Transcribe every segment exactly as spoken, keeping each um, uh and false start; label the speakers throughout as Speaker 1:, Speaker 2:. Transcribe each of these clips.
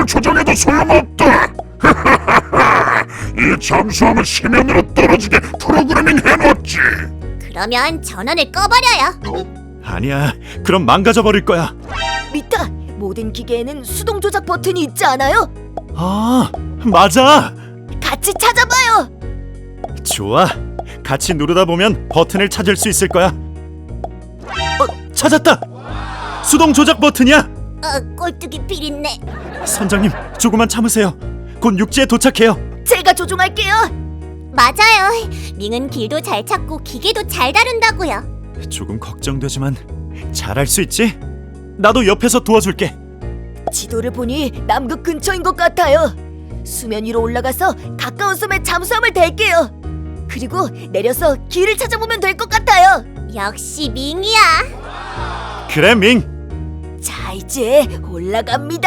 Speaker 1: 속도를 조정해도 소용없다. 이 잠수함을 심연으로 떨어지게 프로그래밍 해놨지.
Speaker 2: 그러면 전원을 꺼버려요.
Speaker 3: 아니야, 그럼 망가져버릴 거야.
Speaker 4: 미타, 모든 기계에는 수동 조작 버튼이 있지 않아요?
Speaker 3: 아, 맞아.
Speaker 4: 같이 찾아봐요.
Speaker 3: 좋아, 같이 누르다 보면 버튼을 찾을 수 있을 거야. 어, 찾았다. 수동 조작 버튼이야.
Speaker 2: 어, 꼴뚜기 비린내.
Speaker 3: 선장님, 조금만 참으세요. 곧 육지에 도착해요.
Speaker 4: 제가 조종할게요.
Speaker 2: 맞아요. 밍은 길도 잘 찾고 기계도 잘 다룬다고요.
Speaker 3: 조금 걱정되지만 잘할 수 있지? 나도 옆에서 도와줄게.
Speaker 4: 지도를 보니 남극 근처인 것 같아요. 수면 위로 올라가서 가까운 섬에 잠수함을 댈게요. 그리고 내려서 길을 찾아보면 될 것 같아요.
Speaker 2: 역시 밍이야.
Speaker 3: 그래, 밍.
Speaker 4: 자, 이제 올라갑니다.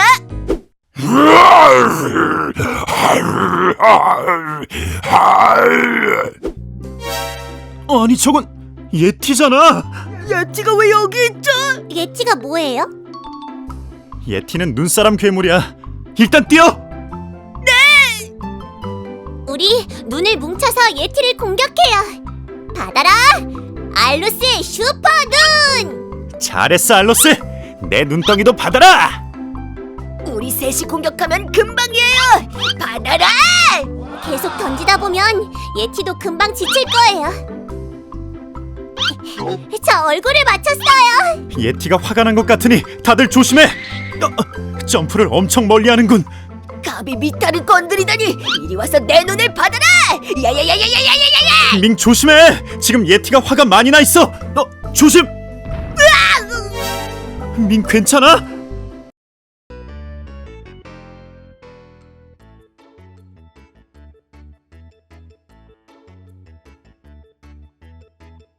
Speaker 3: 아니, 저건 예티잖아.
Speaker 4: 야티가 왜 여기 있죠?
Speaker 2: 예티가 뭐예요?
Speaker 3: 예티는 눈사람 괴물이야. 일단 뛰어.
Speaker 2: 우리 눈을 뭉쳐서 예티를 공격해요. 받아라! 알루스의 슈퍼 눈!
Speaker 3: 잘했어, 알로스. 내 눈덩이도 받아라.
Speaker 4: 우리 셋이 공격하면 금방이에요. 받아라!
Speaker 2: 계속 던지다 보면 예티도 금방 지칠 거예요. 저 얼굴을 맞췄어요.
Speaker 3: 예티가 화가 난 것 같으니 다들 조심해. 어, 점프를 엄청 멀리 하는군.
Speaker 4: 감히 미타를 건드리다니. 이리 와서 내 눈을 받아라. 야야야야야야야야야.
Speaker 3: 밍 조심해. 지금 예티가 화가 많이 나 있어. 너 조심. 밍 괜찮아?